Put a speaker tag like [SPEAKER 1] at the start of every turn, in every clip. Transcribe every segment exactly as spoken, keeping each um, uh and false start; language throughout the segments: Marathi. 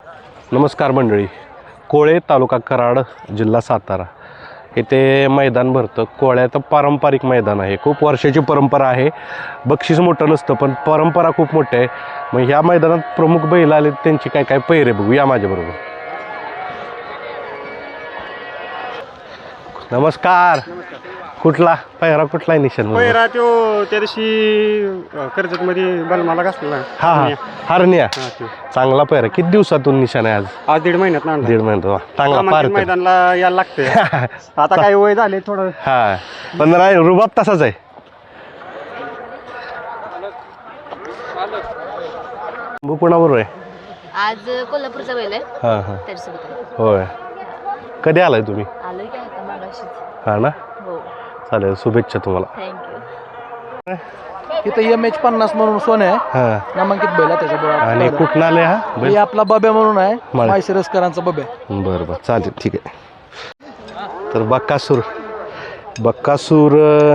[SPEAKER 1] नमस्कार मंडळी. कोळे तालुका कराड जिल्हा सातारा येथे मैदान भरतं. कोळ्याचं पारंपरिक मैदान आहे. खूप वर्षाची परंपरा आहे. बक्षीस मोठं नसतं पण परंपरा खूप मोठी आहे. मग ह्या मैदानात प्रमुख बैल आले त्यांची काय काय पैरे बघू या माझ्याबरोबर. नमस्कार. कुठला पैरा कुठला आहे निशाण?
[SPEAKER 2] पैरा तो त्या दिवशी कर्जत मध्ये बलमाला घासलेला.
[SPEAKER 1] हा हा हरण्या.
[SPEAKER 2] हा, तो.
[SPEAKER 1] चांगला पैरा. किती दिवसातून निशाण आहे आज?
[SPEAKER 2] आज दीड महिन्यात ना
[SPEAKER 1] दीड महिन्यात. वा, चांगला पार.
[SPEAKER 2] मैदानला यायला लागते. आता काही वय झाले थोडं.
[SPEAKER 1] हा पण राय रुबाब तसाच आहे. कुणाबरोबर आहे
[SPEAKER 3] आज? कोल्हापूरचा बैल आहे.
[SPEAKER 1] हा हा
[SPEAKER 3] त्याच्यासोबत आहे.
[SPEAKER 1] होय. कधी आलाय तुम्ही?
[SPEAKER 3] आलोय की आता मागाशीच.
[SPEAKER 1] हा ना.
[SPEAKER 3] हो,
[SPEAKER 1] चालेल, शुभेच्छा तुम्हाला.
[SPEAKER 3] थँक्यू.
[SPEAKER 4] इथं एम एच पन्नास म्हणून सोन आहे,
[SPEAKER 1] हा
[SPEAKER 4] नामांकित बैल आहे त्याच्या
[SPEAKER 1] आणि कुठं आले हा
[SPEAKER 4] हे आपला बब्या म्हणून आहे,
[SPEAKER 1] माळे.
[SPEAKER 4] माळशिरसकरांचा बब्या.
[SPEAKER 1] बरं बरं चालेल, ठीक आहे. तर बक्कासूर बक्कासूर अं,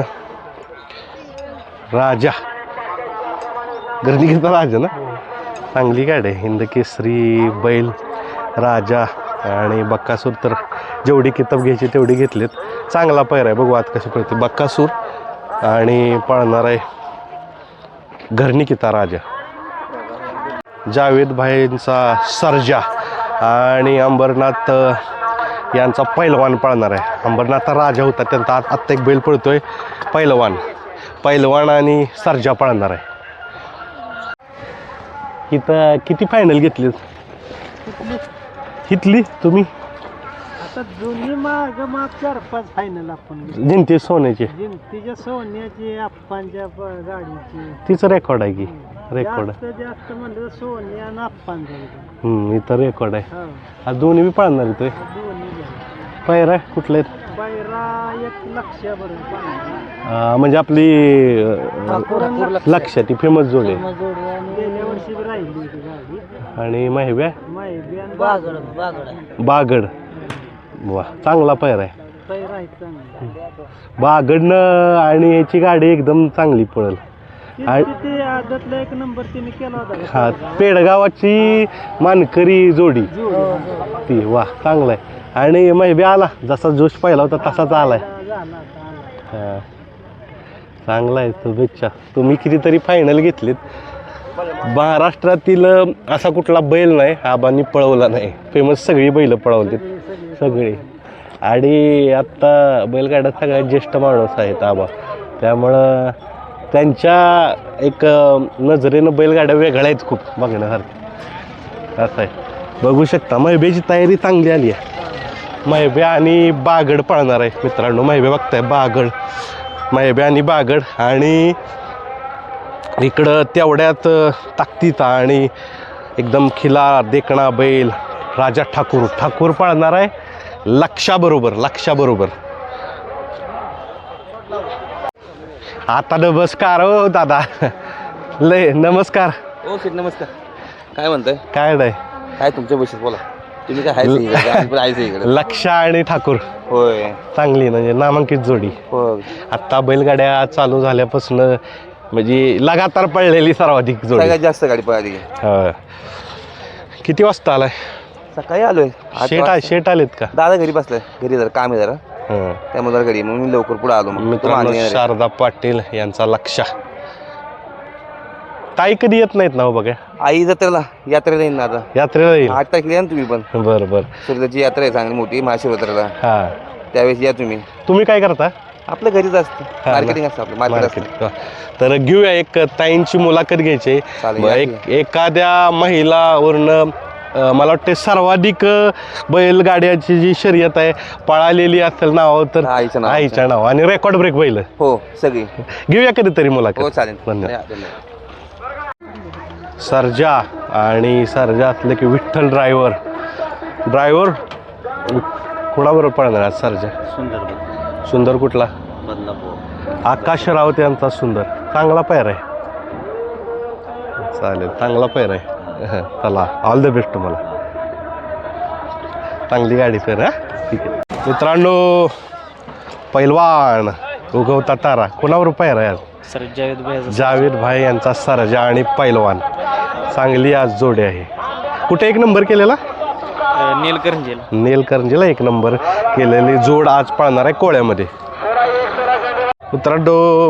[SPEAKER 1] राजा गर्दीचा राजा ना. चांगली गाडी आहे. हिंद केसरी बैल राजा आणि बक्कासूर तर जेवढी किताब घ्यायची तेवढी घेतलीत. चांगला पैर आहे. बघू आत कशी पडते. बक्कासूर आणि पळणार आहे घरनिकिता राजा. जावेद भाईंचा सर्जा आणि अंबरनाथ यांचा पैलवान पळणार आहे. अंबरनाथ राजा होता त्यांचा आत्ता एक बैल पळतोय पैलवान. पैलवान आणि सर्जा पळणार आहे. इथं किती फायनल घेतली इथली तुम्ही?
[SPEAKER 2] आता दोन्ही माग माग चार पाच फायनल आपण
[SPEAKER 1] जिंती सोन्याची
[SPEAKER 2] जिंतीच्या सोन्याची आप्पांच्या गाडीची.
[SPEAKER 1] तिचं रेकॉर्ड आहे की. रेकॉर्ड
[SPEAKER 2] जास्त जास्त म्हणलं सोन्या आणि आप्पांच्या.
[SPEAKER 1] हम्म इथं रेकॉर्ड आहे.
[SPEAKER 2] हो,
[SPEAKER 1] आज दोन्ही बी पळणार इथं.
[SPEAKER 2] दोन्ही
[SPEAKER 1] पैरा कुठले
[SPEAKER 2] बैरा एक लक्षाबरोबर
[SPEAKER 1] अं, म्हणजे आपली अं, लक्ष ती फेमस जोड आहे.
[SPEAKER 2] गेल्या वर्षी राहिली होती गाडी.
[SPEAKER 1] आणि माहिव्या
[SPEAKER 2] माहिती आणि बागड बागड
[SPEAKER 1] बागड. वा, चांगला पैर आहे.
[SPEAKER 2] पैरा आहे चांगला.
[SPEAKER 1] बागडनं आणि याची गाडी एकदम चांगली पळल. आणि
[SPEAKER 2] ते आदतला एक नंबर तिने केला होता.
[SPEAKER 1] हा पेडगावाची मानकरी जोडी ती. वा, चांगला आहे. आणि माहिती आला जसा जोश पाहिला होता तसाच आलाय. हा चांगला आहे. शुभेच्छा. तुम्ही कितीतरी फायनल घेतलीत. महाराष्ट्रातील असा कुठला बैल नाही आबांनी पळवला नाही. फेमस सगळी बैल पळवलीत सगळी. आणि आत्ता बैलगाड्यात सगळ्यात ज्येष्ठ माणूस आहेत आबा. त्यामुळं त्यांच्या एक नजरेनं बैलगाड्या वेगळ्या आहेत खूप बघण्यासारख्या. असं आहे. बघू शकता महिब्याची तयारी चांगली आली आहे. महिब्या आणि बागड पळणार आहे मित्रांनो. महिब्या बघताय बागड. महिब्या आणि बागड आणि इकडं तेवढ्यात ताकदीचा आणि एकदम खिला देखणा बैल राजा ठाकूर. ठाकूर पळणार आहे लक्षाबरोबर. लक्षाबरोबर आता नमस्कार हो दादा. लय नमस्कार.
[SPEAKER 5] ओके नमस्कार. काय म्हणताय?
[SPEAKER 1] काय नाही
[SPEAKER 5] काय तुमच्या बशीत बोला. तुम्ही काय आहे इकडे?
[SPEAKER 1] लक्ष आणि ठाकूर
[SPEAKER 5] होय,
[SPEAKER 1] चांगली म्हणजे नामांकित जोडी.
[SPEAKER 5] हो.
[SPEAKER 1] आत्ता बैलगाड्या चालू झाल्यापासून म्हणजे लगातार पडलेली सर्वाधिक जोडी.
[SPEAKER 5] सगळ्यात जास्त गाडी पळाली.
[SPEAKER 1] हा. किती वाजता आलाय?
[SPEAKER 5] सकाळी आलोय. आठ
[SPEAKER 1] शेट
[SPEAKER 5] वाजता.
[SPEAKER 1] शेट आलेत का?
[SPEAKER 5] दादा घरी बसलाय. घरी जरा काम आहे जरा,
[SPEAKER 1] हा.
[SPEAKER 5] त्यामुळे जरा घरी मग मी लवकर पुढे आलो. मग
[SPEAKER 1] मित्रांनो शारदा पाटील यांचा लक्ष. ताई कधी येत नाहीत ना हो बघा.
[SPEAKER 5] आई जत्रेला यात्रेला येईन ना आता.
[SPEAKER 1] यात्रेला येईल.
[SPEAKER 5] आठ तारखेला या ना तुम्ही पण.
[SPEAKER 1] बरं बरं.
[SPEAKER 5] सूर्याची यात्रा आहे चांगली मोठी महाशिवरात्रीला.
[SPEAKER 1] हा
[SPEAKER 5] त्यावेळेस या तुम्ही.
[SPEAKER 1] तुम्ही काय करता?
[SPEAKER 5] आपलं घरीच असतं.
[SPEAKER 1] ना.
[SPEAKER 5] मार्केटिंग असतं आपलं. Market
[SPEAKER 1] market. तर घेऊया एक ताईंची मुलाखत घ्यायची.
[SPEAKER 5] चालेल,
[SPEAKER 1] एक एखाद्या महिलावरनं अं, मला वाटते सर्वाधिक अं, बैलगाड्याची जी शर्यत आहे पळालेली असेल नाव तर
[SPEAKER 5] आईचं नाव.
[SPEAKER 1] आईच्या नाव आणि रेकॉर्ड ब्रेक बैल.
[SPEAKER 5] हो सगळी.
[SPEAKER 1] घेऊया कधीतरी मुलाखत.
[SPEAKER 5] हो चालेल.
[SPEAKER 1] धन्यवाद.
[SPEAKER 5] धन्यवाद.
[SPEAKER 1] सर्जा आणि सर्जा असलं की विठ्ठल ड्रायव्हर. ड्रायव्हर कुणाबरोबर पळणार आज सर्जा?
[SPEAKER 5] सुंदर.
[SPEAKER 1] सुंदर कुठला?
[SPEAKER 5] बदलापूर.
[SPEAKER 1] आकाश रावत यांचा सुंदर. चांगला पैर आहे. चालेल, चांगला पैर आहे. चला ऑल द बेस्ट तुम्हाला. चांगली गाडी पैर. हा ठीक आहे मित्रांनो. पैलवान उगवता तारा कोणावर पैर आहे आज?
[SPEAKER 6] सर जावेद भाई
[SPEAKER 1] जावेद भाई यांचा सर्जा आणि पैलवान. चांगली आज जोडी आहे. कुठे एक नंबर केलेला
[SPEAKER 2] नीलकंठीला.
[SPEAKER 1] नेलकरंजीला एक नंबर केलेली जोड आज पाळणार आहे कोळ्यामध्ये. मित्रांनो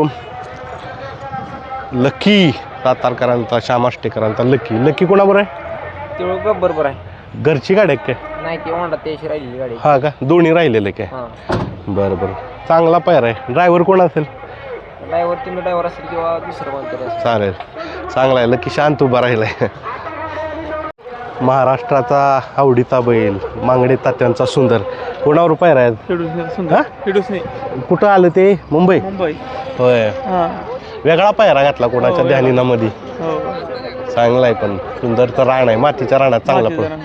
[SPEAKER 1] लकी सातारकरांचा श्याम आष्टेकरांचा लकी लकी कोणाबरोबर आहे
[SPEAKER 2] तेवढं बरोबर आहे.
[SPEAKER 1] घरची गाडी आहे काय
[SPEAKER 2] नाही ते होंडा त्याशी राहिलेली गाडी.
[SPEAKER 1] हा का दोन्ही राहिलेले काय बरं बरं चांगला पायरा आहे. ड्रायव्हर कोण असेल
[SPEAKER 2] ड्रायव्हर तुम्ही ड्रायव्हर असेल किंवा दुसरं कोणतरी असेल.
[SPEAKER 1] चालेल चांगला आहे लकी शांत उभा राहिलाय. महाराष्ट्राचा आवडीचा बैल मांगडे तात्यांचा सुंदर कोणावर पायरा आहे हा? कुठं आलं ते मुंबई
[SPEAKER 2] मुंबई.
[SPEAKER 1] होय वेगळा पायरा घातला कोणाच्या ध्यानीनामध्ये चांगला आहे पण सुंदर तर रान आहे मातीच्या रानात चांगला पण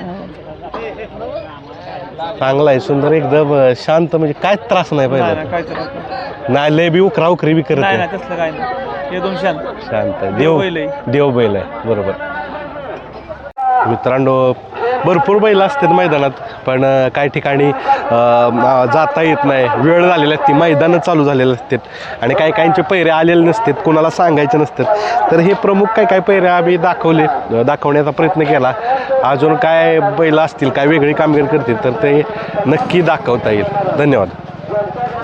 [SPEAKER 1] चांगला आहे सुंदर एकदम शांत म्हणजे काय त्रास नाही पाहिजे नाही लय बी उकरा उकरी बी करत नाही. शांत आहे देव देव बैल आहे बरोबर. मित्रांनो भरपूर बैल असतात मैदानात पण काही ठिकाणी अं, जाता येत नाही वेळ झालेली असते मैदानं चालू झालेले असतात आणि काही काहींचे पैरे आलेले नसतात कोणाला सांगायचे नसतात. तर हे प्रमुख काय काय पैरे आम्ही दाखवले दाखवण्याचा प्रयत्न केला. अजून काय बैल असतील काय वेगळी कामगिरी करतील तर ते नक्की दाखवता येईल. धन्यवाद.